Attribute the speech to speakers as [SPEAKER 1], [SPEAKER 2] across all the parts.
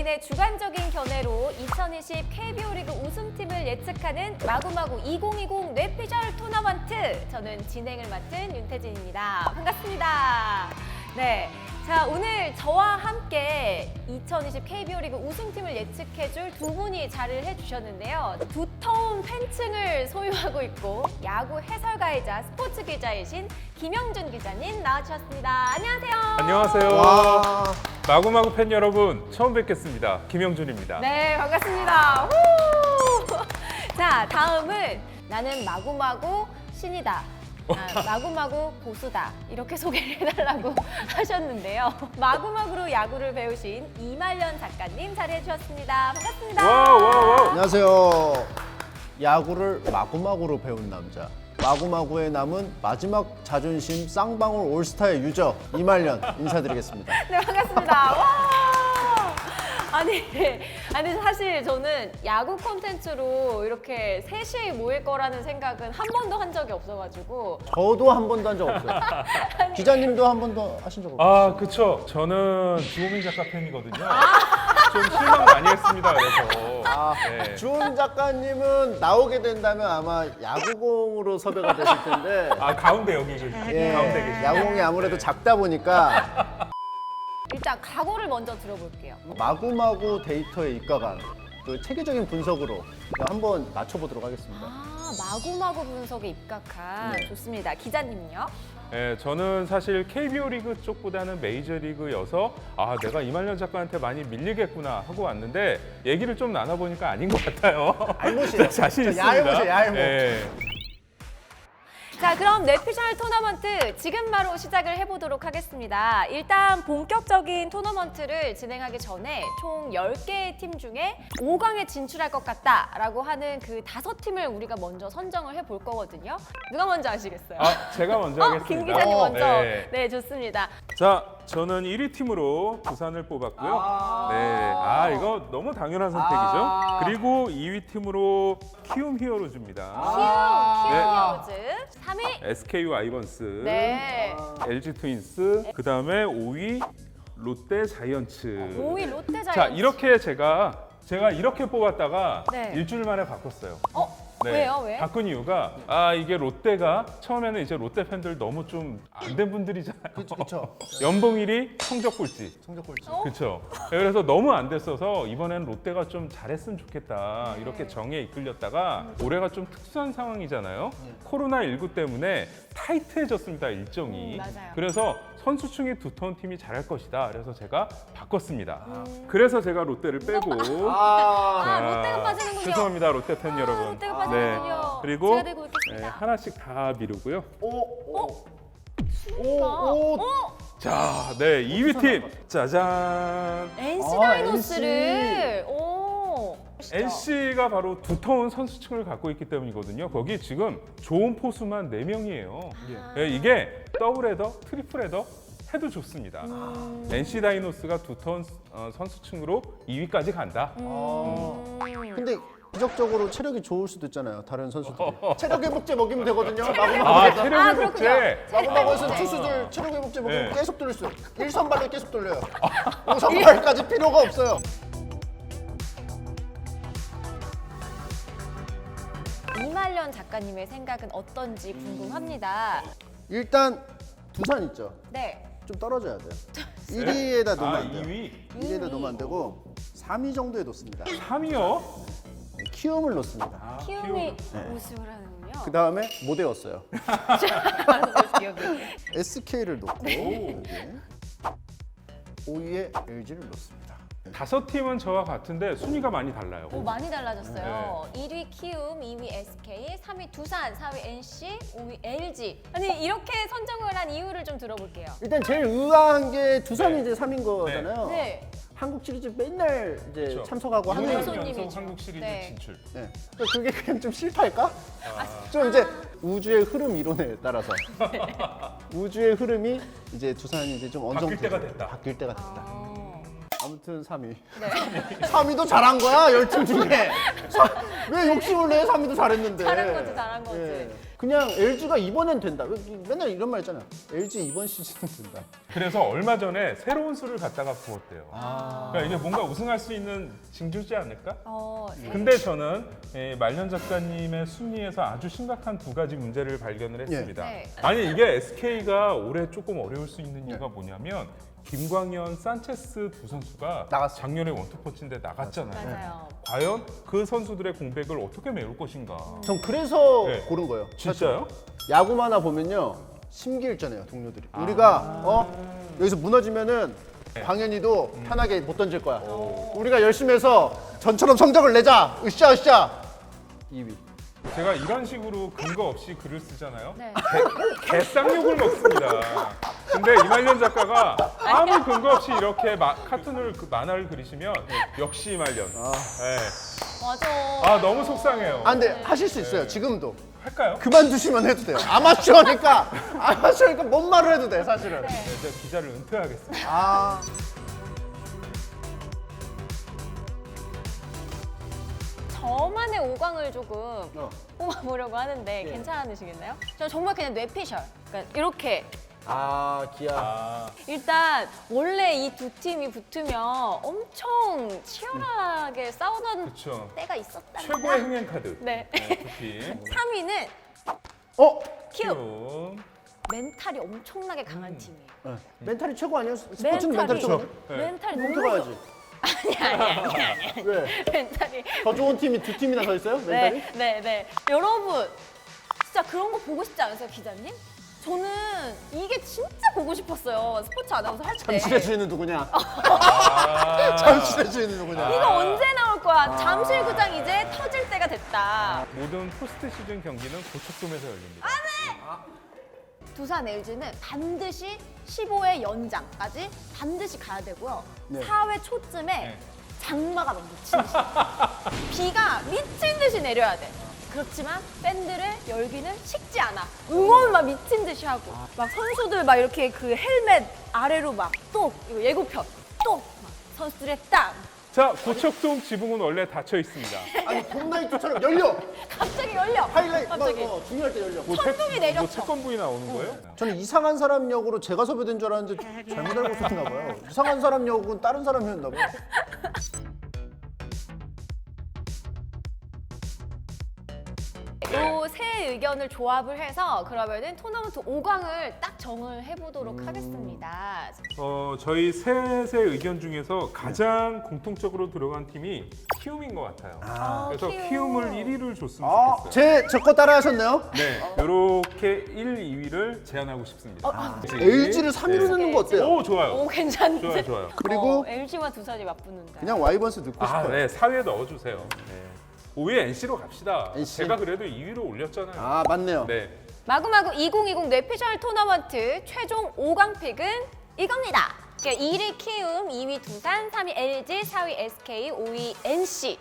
[SPEAKER 1] 개인의 주관적인 견해로 2020 KBO 리그 우승팀을 예측하는 마구마구 2020 뇌피셜 토너먼트. 저는 진행을 맡은 윤태진입니다. 반갑습니다. 네. 자, 오늘 저와 함께 2020 KBO 리그 우승팀을 예측해줄 두 분이 자리를 해주셨는데요. 두터운 팬층을 소유하고 있고 야구 해설가이자 스포츠 기자이신 김영준 기자님 나와주셨습니다. 안녕하세요.
[SPEAKER 2] 안녕하세요.
[SPEAKER 3] 와.
[SPEAKER 2] 마구마구 팬 여러분, 처음 뵙겠습니다. 김영준입니다.
[SPEAKER 1] 네, 반갑습니다. 후! 자, 다음은 나는 마구마구 신이다. 마구마구 고수다. 이렇게 소개를 해달라고 하셨는데요. 마구마구로 야구를 배우신 이말년 작가님 자리해 주셨습니다. 반갑습니다.
[SPEAKER 2] 와우.
[SPEAKER 3] 안녕하세요. 야구를 마구마구로 배운 남자. 마구마구에 남은 마지막 자존심 쌍방울 올스타의 유저 이말년 인사드리겠습니다.
[SPEAKER 1] 네, 반갑습니다. 와! 아니 사실 저는 야구 콘텐츠로 이렇게 셋이 모일 거라는 생각은 한 번도 한 적이 없어가지고
[SPEAKER 3] 저도 한 번도 한 적 없어요. 기자님도 한 번도 하신 적 없어요.
[SPEAKER 2] 아, 그쵸. 저는 주호민 작가 팬이거든요. 좀 실망 많이 했습니다. 그래서. 네.
[SPEAKER 3] 주은 작가님은 나오게 된다면 아마 야구공으로 섭외가 되실 텐데
[SPEAKER 2] 아, 가운데 여기 계시.
[SPEAKER 3] 예,
[SPEAKER 2] 가운데 계시.
[SPEAKER 3] 야구공이 아무래도 작다 보니까
[SPEAKER 1] 일단 각오를 먼저 들어볼게요.
[SPEAKER 3] 마구마구 데이터에 입각한 그 체계적인 분석으로 한번 맞춰보도록 하겠습니다.
[SPEAKER 1] 마구마구 분석에 입각한
[SPEAKER 3] 네.
[SPEAKER 1] 좋습니다. 기자님은요?
[SPEAKER 2] 네, 저는 사실 KBO 리그 쪽보다는 메이저리그여서 아, 내가 이말년 작가한테 많이 밀리겠구나 하고 왔는데 얘기를 좀 나눠보니까 아닌 것 같아요.
[SPEAKER 3] 알못이에요.
[SPEAKER 2] 자신 있습니다.
[SPEAKER 3] 얄못이에요, 얄못.
[SPEAKER 2] 네.
[SPEAKER 1] 자, 그럼 뇌피셜 토너먼트 지금 바로 시작을 해보도록 하겠습니다. 일단 본격적인 토너먼트를 진행하기 전에 총 10개의 팀 중에 5강에 진출할 것 같다라고 하는 그 5팀을 우리가 먼저 선정을 해볼 거거든요. 누가 먼저 아시겠어요?
[SPEAKER 2] 아, 제가 먼저 하겠습니다.
[SPEAKER 1] 김 기자님 먼저.
[SPEAKER 2] 네.
[SPEAKER 1] 네, 좋습니다.
[SPEAKER 2] 자, 저는 1위 팀으로 부산을 뽑았고요. 네, 이거 너무 당연한 선택이죠. 그리고 2위 팀으로 키움 히어로즈입니다.
[SPEAKER 1] 키움 히어로즈. 3위.
[SPEAKER 2] SKU 아이번스,
[SPEAKER 1] 네.
[SPEAKER 2] LG 트윈스, 그 다음에 5위 롯데 자이언츠.
[SPEAKER 1] 5위 롯데 자이언츠.
[SPEAKER 2] 자, 이렇게 제가 이렇게 뽑았다가
[SPEAKER 1] 네.
[SPEAKER 2] 일주일 만에 바꿨어요.
[SPEAKER 1] 왜요? 왜?
[SPEAKER 2] 바꾼 이유가 이게 롯데가 처음에는 이제 롯데 팬들 너무 좀 안 된 분들이잖아요.
[SPEAKER 3] 그렇죠.
[SPEAKER 2] 연봉 1위, 성적 꼴찌.
[SPEAKER 3] 성적 꼴찌.
[SPEAKER 2] 그렇죠. 그래서 너무 안 됐어서 이번에는 롯데가 좀 잘했으면 좋겠다 이렇게 정에 이끌렸다가 올해가 좀 특수한 상황이잖아요. 코로나19 때문에 타이트해졌습니다, 일정이.
[SPEAKER 1] 맞아요.
[SPEAKER 2] 그래서 선수층이 두터운 팀이 잘할 것이다. 그래서 제가 바꿨습니다. 그래서 제가 롯데를 빼고
[SPEAKER 1] 롯데가 빠지는군요.
[SPEAKER 2] 죄송합니다, 롯데 팬 여러분.
[SPEAKER 1] 롯데가 빠지는군요.
[SPEAKER 2] 그리고
[SPEAKER 1] 제가 들고 있겠습니다.
[SPEAKER 2] 하나씩 다 미루고요.
[SPEAKER 3] 오.
[SPEAKER 2] 자, 네, 2위 팀 짜잔.
[SPEAKER 1] NC 다이노스를. 오.
[SPEAKER 2] NC가 바로 두터운 선수층을 갖고 있기 때문이거든요. 거기 지금 좋은 포수만 4명이에요. 이게 더블 헤더, 트리플 헤더 해도 좋습니다. NC 다이노스가 두터운 선수층으로 2위까지 간다.
[SPEAKER 3] 근데 기적적으로 체력이 좋을 수도 있잖아요. 다른 선수들이. 체력 회복제 먹이면 되거든요. 마구마구.
[SPEAKER 2] 체력
[SPEAKER 1] 그렇군요.
[SPEAKER 2] 회복제.
[SPEAKER 3] 마구마구에서
[SPEAKER 1] 네.
[SPEAKER 3] 투수들 체력 회복제 먹이면
[SPEAKER 2] 네.
[SPEAKER 3] 계속 돌릴 수 있어요. 1선발로 계속 돌려요. 5선발까지 필요가 없어요.
[SPEAKER 1] 이말년 작가님의 생각은 어떤지 궁금합니다.
[SPEAKER 3] 일단 두산 있죠.
[SPEAKER 1] 네.
[SPEAKER 3] 좀 떨어져야 돼요. 1위에다 놓으면 안 돼요.
[SPEAKER 2] 2위.
[SPEAKER 3] 1위에다 놓으면 안 되고 3위 정도에 놓습니다.
[SPEAKER 2] 3위요?
[SPEAKER 3] 키움을 놓습니다.
[SPEAKER 1] 키움이
[SPEAKER 3] 네.
[SPEAKER 1] 우승을 하는군요.
[SPEAKER 3] 그 다음에 못 외웠어요.
[SPEAKER 1] 기억이.
[SPEAKER 3] SK를 놓고 여기 5위에 LG를 놓습니다.
[SPEAKER 2] 5팀은 저와 같은데 순위가 많이 달라요.
[SPEAKER 1] 오, 많이 달라졌어요. 1위 키움, 2위 SK, 3위 두산, 4위 NC, 5위 LG. 아니 이렇게 선정을 한 이유를 좀 들어볼게요.
[SPEAKER 3] 일단 제일 의아한 게 두산이 이제 3인 거잖아요.
[SPEAKER 1] 네.
[SPEAKER 3] 한국 시리즈 맨날 이제
[SPEAKER 2] 그렇죠.
[SPEAKER 3] 참석하고 하는
[SPEAKER 2] 6년
[SPEAKER 1] 손님이죠.
[SPEAKER 2] 연속 한국 시리즈
[SPEAKER 1] 네.
[SPEAKER 2] 진출.
[SPEAKER 3] 네. 그러니까 그게 그냥 좀 실패할까? 좀 이제 우주의 흐름 이론에 따라서 우주의 흐름이 이제 두산이 이제 좀 어느 정도
[SPEAKER 2] 바뀔 때가 됐다.
[SPEAKER 3] 바뀔 때가 됐다. 아무튼 3위.
[SPEAKER 1] 네.
[SPEAKER 3] 3위도 잘한 거야 10팀 중에. 왜 욕심을 내? 3위도 잘했는데.
[SPEAKER 1] 잘한 거지, 잘한 거지.
[SPEAKER 3] 그냥 LG가 이번엔 된다. 맨날 이런 말 있잖아. LG 이번 시즌은 된다.
[SPEAKER 2] 그래서 얼마 전에 새로운 수를 갖다가 부었대요. 그러니까 이게 뭔가 우승할 수 있는 징조지 않을까? 근데 저는 말년 작가님의 순위에서 아주 심각한 두 가지 문제를 발견을 했습니다.
[SPEAKER 1] 네.
[SPEAKER 2] 아니 이게 SK가 올해 조금 어려울 수 있는 이유가 뭐냐면 김광현, 산체스 두 선수가
[SPEAKER 3] 나갔어.
[SPEAKER 2] 작년에 원투펀치인데 나갔잖아요.
[SPEAKER 1] 맞아요.
[SPEAKER 2] 과연 그 선수들의 공백을 어떻게 메울 것인가?
[SPEAKER 3] 전 그래서
[SPEAKER 2] 네.
[SPEAKER 3] 고른 거예요.
[SPEAKER 2] 진짜요?
[SPEAKER 3] 야구 만화 보면요 심기일전해요 동료들이. 우리가 여기서 무너지면은 광현이도 편하게 못 던질 거야. 우리가 열심히 해서 전처럼 성적을 내자. 으쌰. 2위.
[SPEAKER 2] 제가 이런 식으로 근거 없이 글을 쓰잖아요.
[SPEAKER 1] 네.
[SPEAKER 2] 개쌍욕을 먹습니다. 근데 이말년 작가가 아무 근거 없이 이렇게 카툰을 만화를 그리시면 역시 이말년. 네.
[SPEAKER 1] 맞아.
[SPEAKER 2] 아 너무 속상해요.
[SPEAKER 3] 근데 하실 수 있어요. 지금도.
[SPEAKER 2] 할까요?
[SPEAKER 3] 그만두시면 해도 돼요. 아마추어니까 뭔 말을 해도 돼 사실은.
[SPEAKER 2] 네, 제가 기자를 은퇴하겠습니다.
[SPEAKER 3] 아.
[SPEAKER 1] 저만의 5강을 조금 뽑아보려고 하는데 괜찮으시겠나요? 저 정말 그냥 뇌피셜. 그러니까 이렇게
[SPEAKER 3] 기아.
[SPEAKER 1] 일단 원래 이 두 팀이 붙으면 엄청 치열하게 싸우던
[SPEAKER 2] 그렇죠.
[SPEAKER 1] 때가 있었다.
[SPEAKER 2] 최고의 흥행 카드.
[SPEAKER 1] 네.
[SPEAKER 2] 두 팀.
[SPEAKER 1] 3위는
[SPEAKER 3] 어?
[SPEAKER 1] 키움. 멘탈이 엄청나게 강한 팀이에요.
[SPEAKER 3] 네. 멘탈이 최고 아니에요? 스포츠는 멘탈이 최고.
[SPEAKER 2] 네.
[SPEAKER 1] 멘탈이
[SPEAKER 3] 홈트
[SPEAKER 1] 너무
[SPEAKER 3] 가야지.
[SPEAKER 1] 아니야.
[SPEAKER 3] 왜?
[SPEAKER 1] 멘탈이.
[SPEAKER 3] 더 좋은 팀이 두 팀이나 서 있어요? 멘탈이?
[SPEAKER 1] 네. 여러분, 진짜 그런 거 보고 싶지 않으세요, 기자님? 저는 이게 진짜 보고 싶었어요. 스포츠 아나운서 할 때.
[SPEAKER 3] 잠실의 주인은 누구냐?
[SPEAKER 2] 아.
[SPEAKER 3] 잠실의 주인은 누구냐?
[SPEAKER 1] 이거 언제 나올 거야? 잠실구장 이제 터질 때가 됐다.
[SPEAKER 2] 모든 포스트 시즌 경기는 고척돔에서 열립니다.
[SPEAKER 1] 두산 LG는 반드시 15회 연장까지 반드시 가야 되고요.
[SPEAKER 3] 네.
[SPEAKER 1] 4회 초쯤에
[SPEAKER 2] 네.
[SPEAKER 1] 장마가 막 미친 듯이 비가 미친 듯이 내려야 돼. 그렇지만 팬들의 열기는 식지 않아. 응원 막 미친 듯이 하고 막 선수들 막 이렇게 그 헬멧 아래로 막 또 이거 예고편 또 막 선수들의 땀
[SPEAKER 2] 자, 고척돔 지붕은 원래 닫혀 있습니다.
[SPEAKER 3] 아니 봄나이트처럼 열려.
[SPEAKER 1] 갑자기 열려.
[SPEAKER 3] 하이라이트
[SPEAKER 1] 갑자기.
[SPEAKER 3] 중요할 때 열려.
[SPEAKER 1] 천둥이 내렸어.
[SPEAKER 2] 뭐 채권부이 나오는 거예요?
[SPEAKER 3] 저는 이상한 사람 역으로 제가 섭외된 줄 알았는데 잘못 알고 있었나 봐요. 이상한 사람 역은 다른 사람이었나 봐요.
[SPEAKER 1] 요 세 의견을 조합을 해서 그러면은 토너먼트 5강을 딱 정을 해보도록 하겠습니다.
[SPEAKER 2] 저희 셋의 의견 중에서 가장 공통적으로 들어간 팀이 키움인 것 같아요. 그래서
[SPEAKER 1] 키움.
[SPEAKER 2] 키움을 1위를 줬으면 좋겠어요.
[SPEAKER 3] 제 거 따라 하셨네요?
[SPEAKER 2] 네, 이렇게 1, 2위를 제안하고 싶습니다.
[SPEAKER 3] LG를 3위로 넣는 거 어때요?
[SPEAKER 2] 오, 좋아요.
[SPEAKER 1] 오 괜찮은데?
[SPEAKER 2] 좋아요.
[SPEAKER 3] 그리고
[SPEAKER 1] LG와 두산이 맞붙는다.
[SPEAKER 3] 그냥 와이번스 넣고
[SPEAKER 2] 아,
[SPEAKER 3] 싶어요.
[SPEAKER 2] 네, 4위에 넣어주세요. 네. 5위에 NC로 갑시다.
[SPEAKER 3] NC.
[SPEAKER 2] 제가 그래도 2위로 올렸잖아요.
[SPEAKER 3] 아 맞네요.
[SPEAKER 2] 네.
[SPEAKER 1] 마구마구 2020 뇌피셜 토너먼트 최종 5강 픽은 이겁니다. 1위 키움, 2위 두산, 3위 LG, 4위 SK, 5위 NC.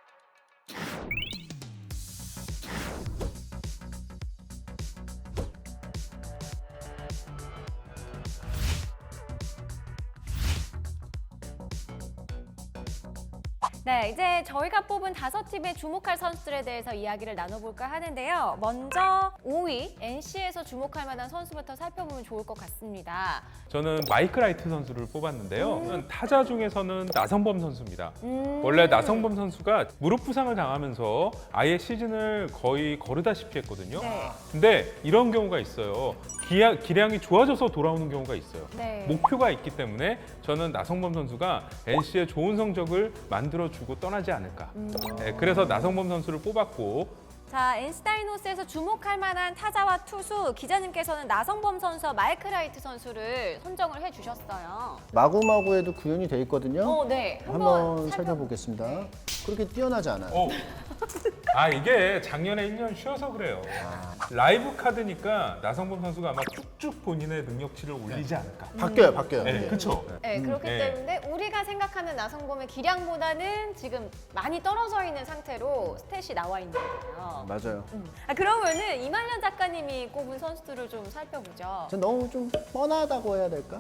[SPEAKER 1] 네, 이제 저희가 뽑은 5팀의 주목할 선수들에 대해서 이야기를 나눠볼까 하는데요. 먼저 5위 NC에서 주목할 만한 선수부터 살펴보면 좋을 것 같습니다.
[SPEAKER 2] 저는 마이크 라이트 선수를 뽑았는데요. 타자 중에서는 나성범 선수입니다. 원래 나성범 선수가 무릎 부상을 당하면서 아예 시즌을 거의 거르다시피 했거든요.
[SPEAKER 1] 네.
[SPEAKER 2] 근데 이런 경우가 있어요. 기량이 좋아져서 돌아오는 경우가 있어요.
[SPEAKER 1] 네.
[SPEAKER 2] 목표가 있기 때문에 저는 나성범 선수가 NC에 좋은 성적을 만들어주고 떠나지 않을까. 네, 그래서 나성범 선수를 뽑았고
[SPEAKER 1] 자, NC다이노스에서 주목할 만한 타자와 투수, 기자님께서는 나성범 선수와 마이크 라이트 선수를 선정을 해주셨어요.
[SPEAKER 3] 마구마구에도 구현이 돼 있거든요.
[SPEAKER 1] 네.
[SPEAKER 3] 한번 살펴보겠습니다.
[SPEAKER 1] 네.
[SPEAKER 3] 그렇게 뛰어나지 않아요.
[SPEAKER 2] 아 이게 작년에 1년 쉬어서 그래요. 라이브 카드니까 나성범 선수가 아마 쭉쭉 본인의 능력치를 올리지 않을까.
[SPEAKER 3] 바뀌어요.
[SPEAKER 2] 네, 그렇죠.
[SPEAKER 1] 네, 그렇기
[SPEAKER 2] 네.
[SPEAKER 1] 때문에 우리가 생각하는 나성범의 기량보다는 지금 많이 떨어져 있는 상태로 스탯이 나와 있는 거예요.
[SPEAKER 3] 맞아요.
[SPEAKER 1] 그러면은 이말년 작가님이 꼽은 선수들을 좀 살펴보죠.
[SPEAKER 3] 전 너무 좀 뻔하다고 해야 될까?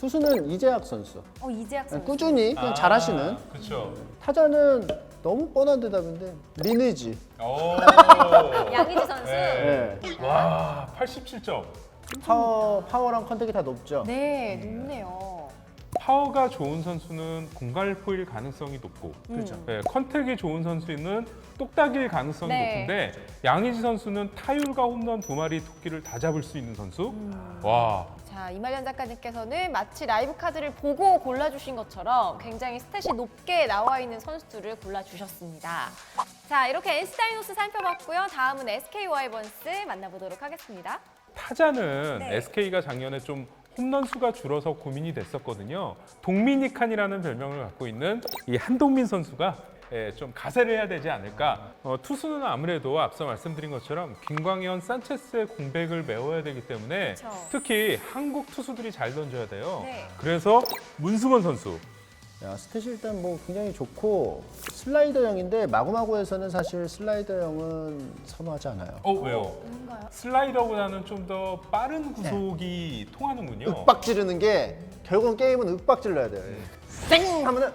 [SPEAKER 3] 투수는 이재학 선수.
[SPEAKER 1] 이재학 선수.
[SPEAKER 3] 꾸준히 그냥 잘하시는.
[SPEAKER 2] 그렇죠.
[SPEAKER 3] 타자는 너무 뻔한 대답인데 리니지.
[SPEAKER 2] 오.
[SPEAKER 1] 양의지 선수.
[SPEAKER 2] 네.
[SPEAKER 3] 네.
[SPEAKER 2] 와, 87점.
[SPEAKER 3] 파워랑 컨택이 다 높죠.
[SPEAKER 1] 네, 높네요.
[SPEAKER 2] 파워가 좋은 선수는 공갈 포일 가능성이 높고,
[SPEAKER 3] 그렇죠.
[SPEAKER 2] 네, 컨택이 좋은 선수는 똑딱일 가능성이
[SPEAKER 1] 네.
[SPEAKER 2] 높은데 양의지 선수는 타율과 홈런 2마리 토끼를 다 잡을 수 있는 선수. 와,
[SPEAKER 1] 자, 이말년 작가님께서는 마치 라이브 카드를 보고 골라주신 것처럼 굉장히 스탯이 높게 나와 있는 선수들을 골라주셨습니다. 자, 이렇게 NC 다이노스 살펴봤고요. 다음은 SK 와이번스 만나보도록 하겠습니다.
[SPEAKER 2] 타자는
[SPEAKER 1] 네.
[SPEAKER 2] SK가 작년에 좀 홈런 수가 줄어서 고민이 됐었거든요. 동미니칸이라는 별명을 갖고 있는 이 한동민 선수가 좀 가세를 해야 되지 않을까. 투수는 아무래도 앞서 말씀드린 것처럼 김광현, 산체스의 공백을 메워야 되기 때문에
[SPEAKER 1] 그쵸.
[SPEAKER 2] 특히 한국 투수들이 잘 던져야 돼요.
[SPEAKER 1] 네.
[SPEAKER 2] 그래서 문승원 선수.
[SPEAKER 3] 야, 스탯이 일단 뭐 굉장히 좋고 슬라이더형인데 마구마구에서는 사실 슬라이더형은 선호하지 않아요.
[SPEAKER 2] 왜요?
[SPEAKER 1] 뭔가요?
[SPEAKER 2] 슬라이더보다는 좀 더 빠른 구속이 통하는군요.
[SPEAKER 3] 윽박 지르는 게 결국은 게임은 윽박 질러야 돼요. 쌩 하면은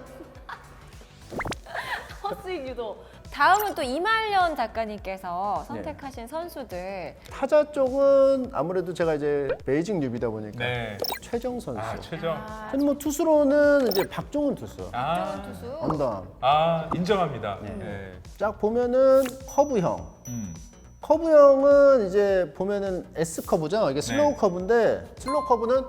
[SPEAKER 1] 헛스윙 유도. 다음은 또 이말년 작가님께서 선택하신 선수들.
[SPEAKER 3] 타자 쪽은 아무래도 제가 이제 베이징 뉴비다 보니까
[SPEAKER 2] 네.
[SPEAKER 3] 최정 선수.
[SPEAKER 2] 최정.
[SPEAKER 1] 아,
[SPEAKER 3] 근데 뭐 투수로는 이제 박종훈 투수.
[SPEAKER 1] 박정은 투수.
[SPEAKER 3] 언더.
[SPEAKER 2] 인정합니다. 네.
[SPEAKER 3] 쫙 보면은 커브형.
[SPEAKER 2] 음.
[SPEAKER 3] 커브형은 이제 보면은 S 커브죠. 이게 슬로우
[SPEAKER 2] 네.
[SPEAKER 3] 커브인데 슬로우 커브는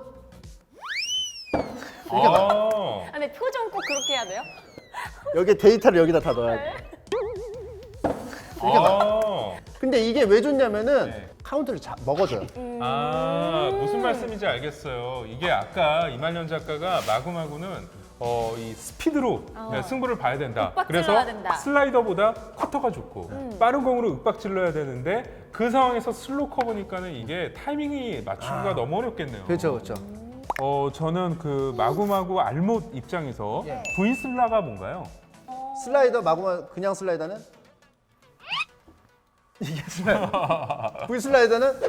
[SPEAKER 3] 이렇게 나.
[SPEAKER 1] 아, 근데 표정 꼭 그렇게 해야 돼요?
[SPEAKER 3] 여기 데이터를 여기다 다 넣어야 돼. 이렇게 나. 근데 이게 왜 좋냐면은
[SPEAKER 2] 네.
[SPEAKER 3] 카운트를 먹어줘요.
[SPEAKER 2] 무슨 말씀인지 알겠어요. 이게 아까 이말년 작가가 마구마구는 이 스피드로 승부를 봐야 된다.
[SPEAKER 1] 윽박
[SPEAKER 2] 그래서
[SPEAKER 1] 질러야 된다.
[SPEAKER 2] 슬라이더보다 커터가 좋고 빠른 공으로 윽박 질러야 되는데 그 상황에서 슬로우 커버니까는 이게 타이밍이 맞추기가 너무 어렵겠네요.
[SPEAKER 3] 그렇죠, 그렇죠.
[SPEAKER 2] 저는 그 마구마구 알못 입장에서
[SPEAKER 3] 예.
[SPEAKER 2] V슬라가 뭔가요?
[SPEAKER 3] 슬라이더 마구마 그냥 슬라이더는 이게 슬라이더. V 슬라이더는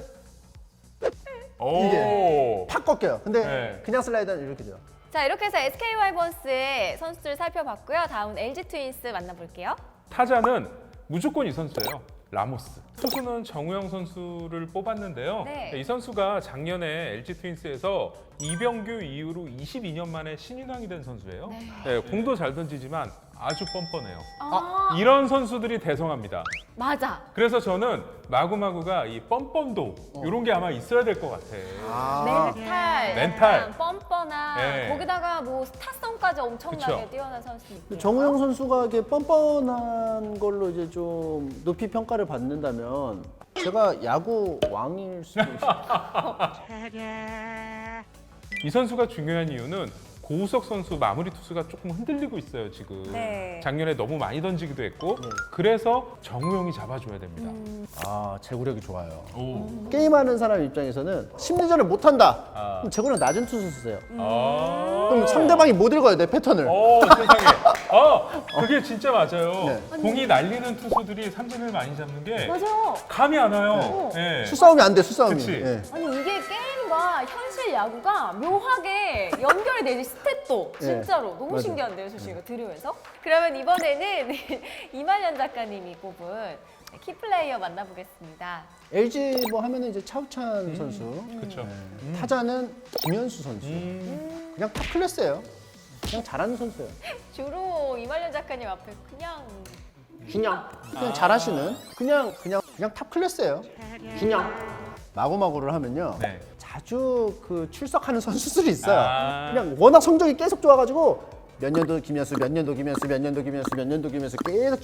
[SPEAKER 2] 오.
[SPEAKER 3] 팍 꺾여요. 근데
[SPEAKER 2] 네.
[SPEAKER 3] 그냥 슬라이더는 이렇게 돼요.
[SPEAKER 1] 자, 이렇게 해서 SK 와이번스의 선수들 살펴봤고요. 다음은 LG 트윈스 만나볼게요.
[SPEAKER 2] 타자는 무조건 이 선수예요. 라모스. 투수는 정우영 선수를 뽑았는데요.
[SPEAKER 1] 네.
[SPEAKER 2] 이 선수가 작년에 LG 트윈스에서 이병규 이후로 22년 만에 신인왕이 된 선수예요. 네, 공도 잘 던지지만 아주 뻔뻔해요. 이런 선수들이 대성합니다.
[SPEAKER 1] 맞아.
[SPEAKER 2] 그래서 저는 마구마구가 이 뻔뻔도 이런 게 아마 있어야 될 것 같아.
[SPEAKER 1] 멘탈,
[SPEAKER 2] 멘탈.
[SPEAKER 1] 뻔뻔한,
[SPEAKER 2] 네.
[SPEAKER 1] 거기다가 뭐 스타성까지 엄청나게
[SPEAKER 2] 그쵸.
[SPEAKER 1] 뛰어난 선수니까.
[SPEAKER 3] 정우영 선수가 이렇게 뻔뻔한 걸로 이제 좀 높이 평가를 받는다면 제가 야구 왕일 수도 있어요.
[SPEAKER 2] 이 선수가 중요한 이유는 고우석 선수 마무리 투수가 조금 흔들리고 있어요 지금.
[SPEAKER 1] 네.
[SPEAKER 2] 작년에 너무 많이 던지기도 했고 그래서 정우영이 잡아줘야 됩니다.
[SPEAKER 3] 아, 제구력이 좋아요.
[SPEAKER 2] 오.
[SPEAKER 3] 게임하는 사람 입장에서는 심리전을 못한다.
[SPEAKER 2] 아.
[SPEAKER 3] 그럼 제구력 낮은 투수 쓰세요.
[SPEAKER 2] 아.
[SPEAKER 3] 그럼 상대방이 못 읽어요, 내 패턴을.
[SPEAKER 2] 세상에. 그게 진짜 맞아요.
[SPEAKER 3] 네.
[SPEAKER 2] 공이 날리는 투수들이 삼진을 많이 잡는 게
[SPEAKER 1] 맞아.
[SPEAKER 2] 감이 안 와요. 네.
[SPEAKER 3] 수싸움이 안 돼, 수싸움이.
[SPEAKER 2] 그치.
[SPEAKER 3] 예.
[SPEAKER 1] 아니 이게 게임과 현실 야구가 묘하게 연결이 되지 스탯도
[SPEAKER 3] 예.
[SPEAKER 1] 진짜로 너무
[SPEAKER 3] 맞아.
[SPEAKER 1] 신기한데요, 저 지금 들으면서. 그러면 이번에는 이말년 작가님이 꼽은 키플레이어 만나보겠습니다.
[SPEAKER 3] LG 뭐 하면은 이제 차우찬 선수.
[SPEAKER 2] 그렇죠.
[SPEAKER 3] 타자는 김현수 선수. 그냥 탑 클래스예요. 그냥 잘하는 선수예요.
[SPEAKER 1] 주로 이말년 작가님 앞에 그냥
[SPEAKER 3] 그냥 잘하시는 그냥 탑 클래스예요. 그냥 마구마구를 하면요.
[SPEAKER 2] 네.
[SPEAKER 3] 자주 그 출석하는 선수들이 있어요.
[SPEAKER 2] 아.
[SPEAKER 3] 그냥 워낙 성적이 계속 좋아가지고 몇 년도 김현수, 몇 년도 김현수, 몇 년도 김현수, 몇 년도 김현수 계속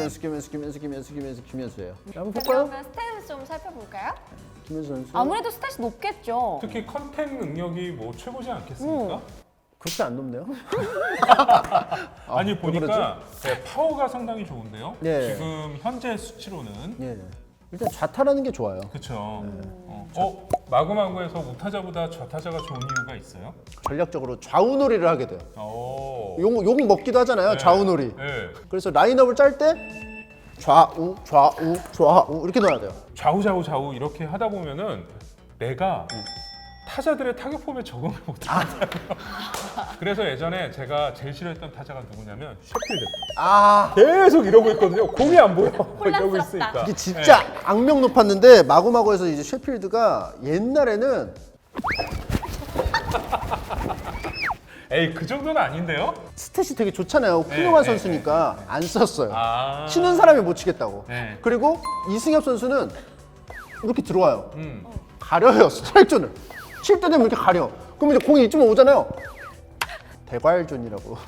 [SPEAKER 3] 김현수예요. 한번
[SPEAKER 1] 자,
[SPEAKER 3] 볼까요?
[SPEAKER 1] 그러면 스탯을 좀 살펴볼까요?
[SPEAKER 3] 김현수 선수.
[SPEAKER 1] 아무래도 스탯이 높겠죠.
[SPEAKER 2] 특히 컨택 능력이 뭐 최고지 않겠습니까?
[SPEAKER 3] 그렇게 안 높네요.
[SPEAKER 2] 아니
[SPEAKER 3] 왜
[SPEAKER 2] 보니까 파워가 상당히 좋은데요.
[SPEAKER 3] 네.
[SPEAKER 2] 지금 현재 수치로는
[SPEAKER 3] 예. 일단 좌타라는 게 좋아요.
[SPEAKER 2] 그렇죠. 마구마구에서 우타자보다 좌타자가 좋은 이유가 있어요?
[SPEAKER 3] 전략적으로 좌우놀이를 하게 돼요.
[SPEAKER 2] 오.
[SPEAKER 3] 욕 먹기도 하잖아요. 좌우놀이.
[SPEAKER 2] 네.
[SPEAKER 3] 그래서 라인업을 짤 때 좌우 이렇게 넣어야 돼요.
[SPEAKER 2] 좌우 이렇게 하다 보면은 내가 타자들의 타격 폼에 적응을 못하더라고요. 그래서 예전에 제가 제일 싫어했던 타자가 누구냐면 셰필드.
[SPEAKER 3] 아,
[SPEAKER 2] 계속 이러고 있거든요. 공이 안 보여. 이러고
[SPEAKER 1] 혼란스럽다.
[SPEAKER 2] 있으니까.
[SPEAKER 3] 이게 진짜 악명 높았는데 마구마구에서 이제 셰필드가 옛날에는
[SPEAKER 2] 에이, 그 정도는 아닌데요?
[SPEAKER 3] 스탯이 되게 좋잖아요. 훌륭한
[SPEAKER 2] 네,
[SPEAKER 3] 선수니까 안 썼어요.
[SPEAKER 2] 아.
[SPEAKER 3] 치는 사람이 못 치겠다고.
[SPEAKER 2] 네.
[SPEAKER 3] 그리고 이승엽 선수는 이렇게 들어와요. 가려요, 스트라이크 존을. 칠 때 되면 이렇게 가려. 그럼 이제 공이 이쯤 오잖아요. 대괄존이라고.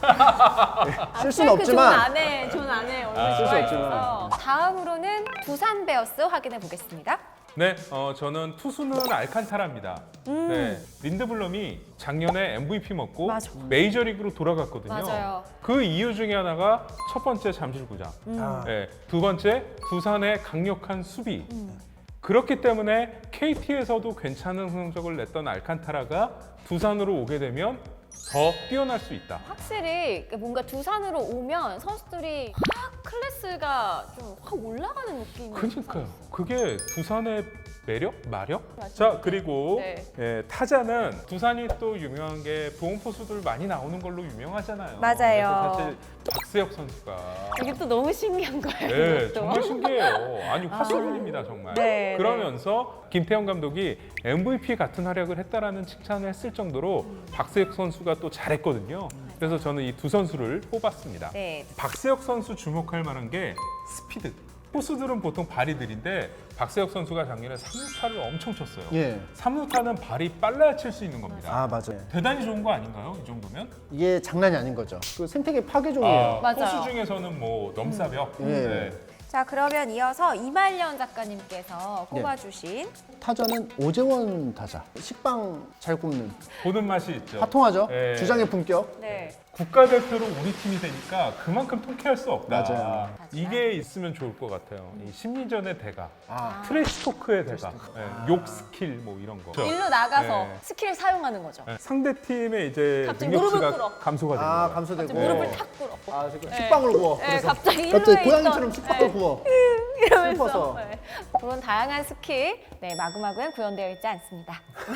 [SPEAKER 3] 쓸 수는 없지만
[SPEAKER 1] 존 안에 얼굴
[SPEAKER 2] 쓸 수
[SPEAKER 1] 들어가
[SPEAKER 3] 없지만.
[SPEAKER 1] 있어서. 다음으로는 두산 베어스 확인해 보겠습니다.
[SPEAKER 2] 네, 저는 투수는 알칸타라입니다. 네, 린드블럼이 작년에 MVP 먹고
[SPEAKER 1] 맞아.
[SPEAKER 2] 메이저리그로 돌아갔거든요.
[SPEAKER 1] 맞아요.
[SPEAKER 2] 그 이유 중에 하나가 첫 번째 잠실구장, 네, 두 번째 두산의 강력한 수비. 그렇기 때문에 KT에서도 괜찮은 성적을 냈던 알칸타라가 두산으로 오게 되면 더 뛰어날 수 있다.
[SPEAKER 1] 확실히 뭔가 두산으로 오면 선수들이 확 클래스가 좀 확 올라가는 느낌이
[SPEAKER 2] 그러니까요. 그게 두산의 매력? 마력?
[SPEAKER 1] 맞아요.
[SPEAKER 2] 자, 그리고
[SPEAKER 1] 네.
[SPEAKER 2] 예, 타자는 두산이 또 유명한 게 보험포수들 많이 나오는 걸로 유명하잖아요.
[SPEAKER 1] 맞아요.
[SPEAKER 2] 그래서 사실 박세혁 선수가
[SPEAKER 1] 이게 또 너무 신기한 거예요.
[SPEAKER 2] 네,
[SPEAKER 1] 이것도.
[SPEAKER 2] 정말 신기해요. 아니, 화수분입니다, 정말.
[SPEAKER 1] 네,
[SPEAKER 2] 그러면서 김태형 감독이 MVP 같은 활약을 했다라는 칭찬을 했을 정도로 박세혁 선수가 또 잘했거든요. 그래서 저는 이 두 선수를 뽑았습니다.
[SPEAKER 1] 네.
[SPEAKER 2] 박세혁 선수 주목할 만한 게 스피드. 포수들은 보통 발이 느린데 박세혁 선수가 작년에 3루타를 엄청 쳤어요.
[SPEAKER 3] 예.
[SPEAKER 2] 3루타는 발이 빨라야 칠 수 있는 겁니다.
[SPEAKER 3] 아, 맞아요.
[SPEAKER 2] 대단히 좋은 거 아닌가요? 이 정도면?
[SPEAKER 3] 이게 장난이 아닌 거죠. 그 생태계 파괴종이에요.
[SPEAKER 1] 맞아요.
[SPEAKER 2] 포수 중에서는 뭐 넘사벽.
[SPEAKER 3] 예.
[SPEAKER 2] 네.
[SPEAKER 1] 자, 그러면 이어서 이말년 작가님께서 꼽아주신
[SPEAKER 3] 타자는 오재원 타자. 식빵 잘 굽는.
[SPEAKER 2] 보는 맛이 있죠.
[SPEAKER 3] 화통하죠.
[SPEAKER 2] 예.
[SPEAKER 3] 주장의 품격.
[SPEAKER 1] 네.
[SPEAKER 2] 국가대표로 우리 팀이 되니까 그만큼 통쾌할 수 없다.
[SPEAKER 3] 맞아요.
[SPEAKER 2] 이게 있으면 좋을 것 같아요. 이 심리전의 대가,
[SPEAKER 3] 아.
[SPEAKER 2] 트래시 토크의 대가, 예, 욕 스킬 뭐 이런 거.
[SPEAKER 1] 일로 나가서
[SPEAKER 2] 네.
[SPEAKER 1] 스킬을 사용하는 거죠.
[SPEAKER 2] 예, 상대 팀의 이제
[SPEAKER 1] 갑자기 무릎을
[SPEAKER 2] 능력치가
[SPEAKER 1] 꿇어.
[SPEAKER 2] 감소가 되는
[SPEAKER 3] 아,
[SPEAKER 2] 거예요.
[SPEAKER 3] 감소되고.
[SPEAKER 1] 갑자기 무릎을 탁 꿇어.
[SPEAKER 3] 아, 지금
[SPEAKER 1] 네.
[SPEAKER 3] 식빵을 구워.
[SPEAKER 1] 네,
[SPEAKER 3] 그래서
[SPEAKER 1] 갑자기 일루에
[SPEAKER 3] 갑자기 고양이처럼
[SPEAKER 1] 있던,
[SPEAKER 3] 식빵을
[SPEAKER 1] 네.
[SPEAKER 3] 구워.
[SPEAKER 1] 이러면서
[SPEAKER 3] 슬퍼서.
[SPEAKER 1] 네. 그런 다양한 스킬 마구마구엔 구현되어 있지 않습니다.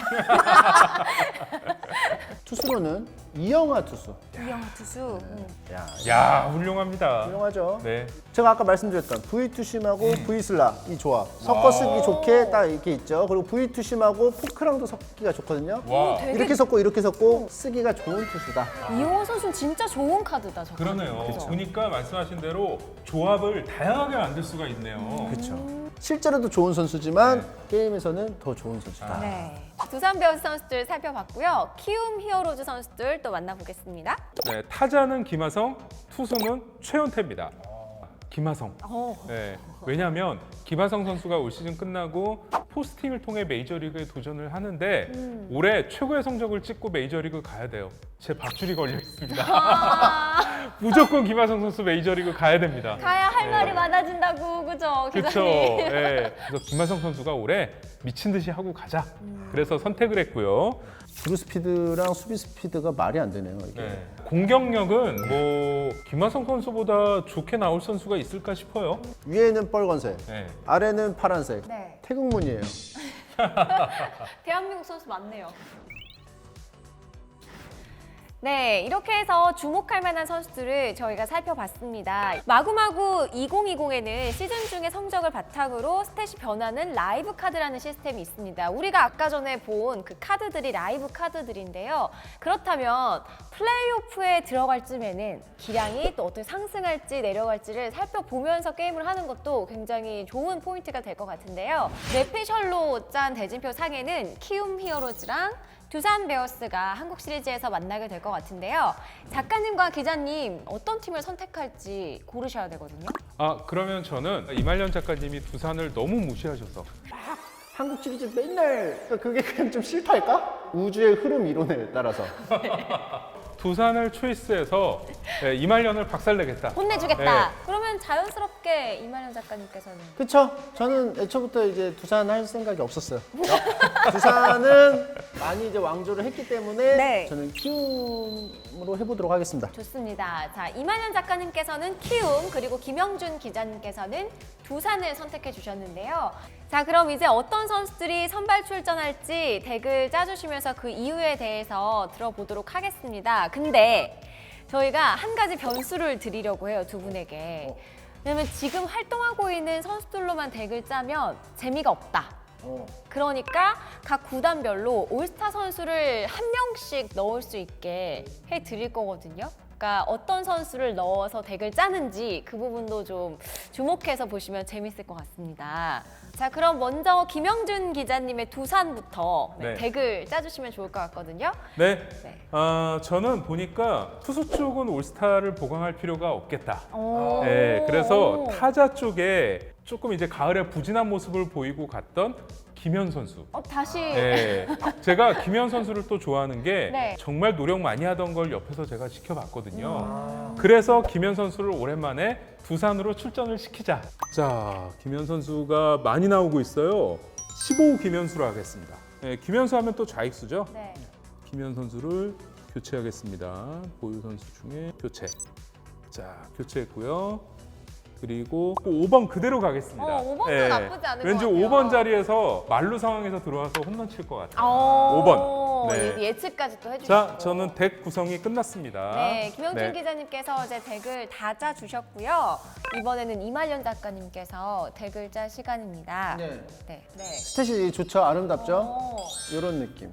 [SPEAKER 3] 투수로는 이영하 투수.
[SPEAKER 1] 이영하 투수.
[SPEAKER 3] 야,
[SPEAKER 2] 야, 훌륭합니다.
[SPEAKER 3] 훌륭하죠.
[SPEAKER 2] 네.
[SPEAKER 3] 제가 아까 말씀드렸던 V2심하고 V 슬라 이 조합 섞어 쓰기 좋게 딱 이렇게 있죠. 그리고 V2심하고 포크랑도 섞기가 좋거든요.
[SPEAKER 2] 와,
[SPEAKER 1] 되게-
[SPEAKER 3] 이렇게 섞고 쓰기가 좋은 투수다.
[SPEAKER 1] 이영하 선수는 진짜 좋은 카드다. 저
[SPEAKER 2] 그러네요.
[SPEAKER 1] 그죠?
[SPEAKER 2] 보니까 말씀하신 대로 조합을 다양하게 만들 수가 있네요.
[SPEAKER 3] 그렇죠. 실제로도 좋은 선수지만
[SPEAKER 2] 네.
[SPEAKER 3] 게임에서는 더 좋은 선수다.
[SPEAKER 1] 네. 두산 베어스 선수들 살펴봤고요. 키움 히어로즈 선수들 또 만나보겠습니다.
[SPEAKER 2] 네, 타자는 김하성, 투수는 최연태입니다. 김하성.
[SPEAKER 1] 어.
[SPEAKER 2] 네, 왜냐하면 김하성 선수가 올 시즌 끝나고 포스팅을 통해 메이저리그에 도전을 하는데 올해 최고의 성적을 찍고 메이저리그 가야 돼요. 제 밥줄이 걸려 있습니다. 무조건 김하성 선수 메이저리그 가야 됩니다.
[SPEAKER 1] 가야 할
[SPEAKER 2] 네.
[SPEAKER 1] 말이 많아진다고, 그죠?
[SPEAKER 2] 그렇죠.
[SPEAKER 1] 기자님?
[SPEAKER 2] 네. 그래서 김하성 선수가 올해 미친 듯이 하고 가자. 그래서 선택을 했고요.
[SPEAKER 3] 주루 스피드랑 수비 스피드가 말이 안 되네요. 이게.
[SPEAKER 2] 네. 공격력은 뭐 김하성 선수보다 좋게 나올 선수가 있을까 싶어요.
[SPEAKER 3] 위에는 빨간색,
[SPEAKER 2] 네.
[SPEAKER 3] 아래는 파란색.
[SPEAKER 1] 네.
[SPEAKER 3] 태극문이에요.
[SPEAKER 1] 대한민국 선수 맞네요. 네, 이렇게 해서 주목할 만한 선수들을 저희가 살펴봤습니다. 마구마구 2020에는 시즌 중에 성적을 바탕으로 스탯이 변하는 라이브 카드라는 시스템이 있습니다. 우리가 아까 전에 본 그 카드들이 라이브 카드들인데요. 그렇다면 플레이오프에 들어갈 쯤에는 기량이 또 어떻게 상승할지 내려갈지를 살펴보면서 게임을 하는 것도 굉장히 좋은 포인트가 될 것 같은데요. 뇌피셜로 짠 대진표 상에는 키움 히어로즈랑 두산 베어스가 한국 시리즈에서 만나게 될 것 같은데요. 작가님과 기자님 어떤 팀을 선택할지 고르셔야 되거든요.
[SPEAKER 2] 아, 그러면 저는 이말년 작가님이 두산을 너무 무시하셔서
[SPEAKER 3] 한국 시리즈 맨날 그러니까 그게 그냥 좀 싫달까? 우주의 흐름 이론에 따라서.
[SPEAKER 2] 두산을 초이스해서 네, 이말년을 박살내겠다.
[SPEAKER 1] 혼내주겠다.
[SPEAKER 2] 네.
[SPEAKER 1] 그러면 자연스럽게 이말년 작가님께서는
[SPEAKER 3] 그쵸? 저는 애초부터 이제 두산 할 생각이 없었어요. 두산은 많이 이제 왕조를 했기 때문에
[SPEAKER 1] 네.
[SPEAKER 3] 저는 키움으로 해보도록 하겠습니다.
[SPEAKER 1] 좋습니다. 자, 이만현 작가님께서는 키움, 그리고 김영준 기자님께서는 두산을 선택해 주셨는데요. 자, 그럼 이제 어떤 선수들이 선발 출전할지 덱을 짜주시면서 그 이유에 대해서 들어보도록 하겠습니다. 근데 저희가 한 가지 변수를 드리려고 해요, 두 분에게. 왜냐면 지금 활동하고 있는 선수들로만 덱을 짜면 재미가 없다. 그러니까 각 구단별로 올스타 선수를 한 명씩 넣을 수 있게 해드릴 거거든요. 그러니까 어떤 선수를 넣어서 덱을 짜는지 그 부분도 좀 주목해서 보시면 재밌을 것 같습니다. 자, 그럼 먼저 김영준 기자님의 두산부터
[SPEAKER 2] 네.
[SPEAKER 1] 덱을 짜주시면 좋을 것 같거든요.
[SPEAKER 2] 네.
[SPEAKER 1] 네.
[SPEAKER 2] 저는 보니까 투수 쪽은 올스타를 보강할 필요가 없겠다.
[SPEAKER 1] 오.
[SPEAKER 2] 네, 그래서
[SPEAKER 1] 오.
[SPEAKER 2] 타자 쪽에 조금 이제 가을에 부진한 모습을 보이고 갔던 김현 선수.
[SPEAKER 1] 다시
[SPEAKER 2] 네, 제가 김현 선수를 또 좋아하는 게
[SPEAKER 1] 네.
[SPEAKER 2] 정말 노력 많이 하던 걸 옆에서 제가 지켜봤거든요. 그래서 김현 선수를 오랜만에 두산으로 출전을 시키자. 자, 김현 선수가 많이 나오고 있어요. 15 김현수로 하겠습니다. 네, 김현수 하면 또 좌익수죠.
[SPEAKER 1] 네.
[SPEAKER 2] 김현 선수를 교체하겠습니다. 보유 선수 중에 교체. 자, 교체했고요. 그리고 5번 그대로 가겠습니다.
[SPEAKER 1] 5번도 나쁘지 않을
[SPEAKER 2] 왠지
[SPEAKER 1] 것 같아요.
[SPEAKER 2] 5번 자리에서 만루 상황에서 들어와서 홈런 칠 것 같아요. 5번. 네.
[SPEAKER 1] 예측까지 또 해주셨고.
[SPEAKER 2] 자, 저는 덱 구성이 끝났습니다.
[SPEAKER 1] 네, 김영준
[SPEAKER 2] 네.
[SPEAKER 1] 기자님께서 이제 덱을 다 짜주셨고요. 이번에는 이말년 작가님께서 덱을 짤 시간입니다.
[SPEAKER 3] 네.
[SPEAKER 1] 네.
[SPEAKER 3] 스탯이 좋죠? 아름답죠?
[SPEAKER 1] 어,
[SPEAKER 3] 요런 느낌.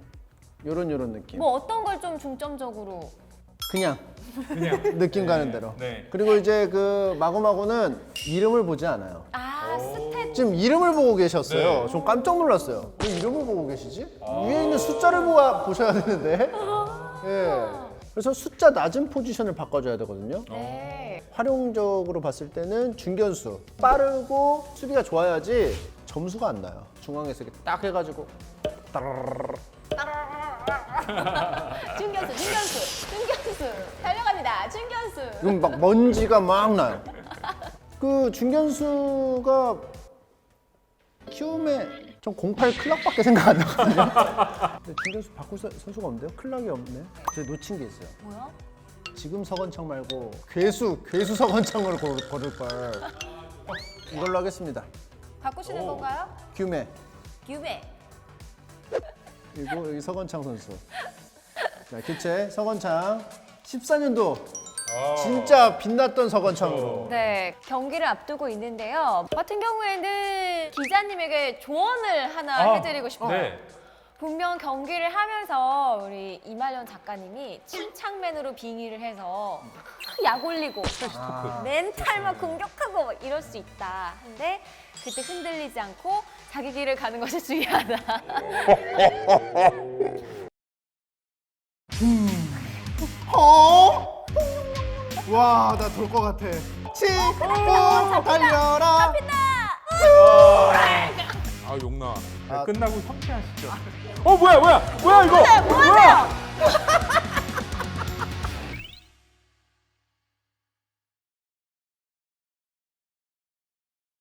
[SPEAKER 3] 요런 느낌.
[SPEAKER 1] 뭐 어떤 걸 좀 중점적으로?
[SPEAKER 3] 그냥
[SPEAKER 2] 그냥
[SPEAKER 3] 느낌 가는 대로.
[SPEAKER 2] 네.
[SPEAKER 3] 그리고 이제 그 마구마구는 이름을 보지 않아요.
[SPEAKER 1] 스탯.
[SPEAKER 3] 지금 이름을 보고 계셨어요.
[SPEAKER 2] 네.
[SPEAKER 3] 좀 깜짝 놀랐어요. 왜 이름을 보고 계시지? 위에 있는 숫자를 보셔야 되는데. 예. 그래서 숫자 낮은 포지션을 바꿔줘야 되거든요.
[SPEAKER 1] 네.
[SPEAKER 3] 활용적으로 봤을 때는 중견수. 빠르고 수비가 좋아야지 점수가 안 나요. 중앙에서 이렇게 딱 해가지고
[SPEAKER 1] 중견수. 달려갑니다. 중견수.
[SPEAKER 3] 그럼 막 먼지가 막 나요. 그 중견수가 키움에 전 08 클락밖에 생각 안 나거든요. 근데 중견수 바꿀 선수가 없는데요? 클락이 없네. 제가 놓친 게 있어요.
[SPEAKER 1] 뭐야?
[SPEAKER 3] 지금 서건창 말고 괴수 서건창으로 고를 걸. 이걸로 하겠습니다.
[SPEAKER 1] 바꾸시는 건가요?
[SPEAKER 3] 규메.
[SPEAKER 1] 규베.
[SPEAKER 3] 그리고 여기 서건창 선수. 자, 교체 서건창. 14년도 진짜 빛났던 서건창으로.
[SPEAKER 1] 네, 경기를 앞두고 있는데요. 같은 경우에는 기자님에게 조언을 하나 해드리고 싶어요.
[SPEAKER 2] 네.
[SPEAKER 1] 분명 경기를 하면서 우리 이말년 작가님이 침착맨으로 빙의를 해서 약 올리고 멘탈만 공격하고 막 이럴 수 있다. 근데 그때 흔들리지 않고 자기 길을 가는 것이 중요하다.
[SPEAKER 3] 와, 나 돌 것 같아. 치고 달려라.
[SPEAKER 2] 아, 욕나.
[SPEAKER 3] 아.
[SPEAKER 2] 끝나고 협회하시죠. 뭐야 이거?
[SPEAKER 1] 뭐 하세요?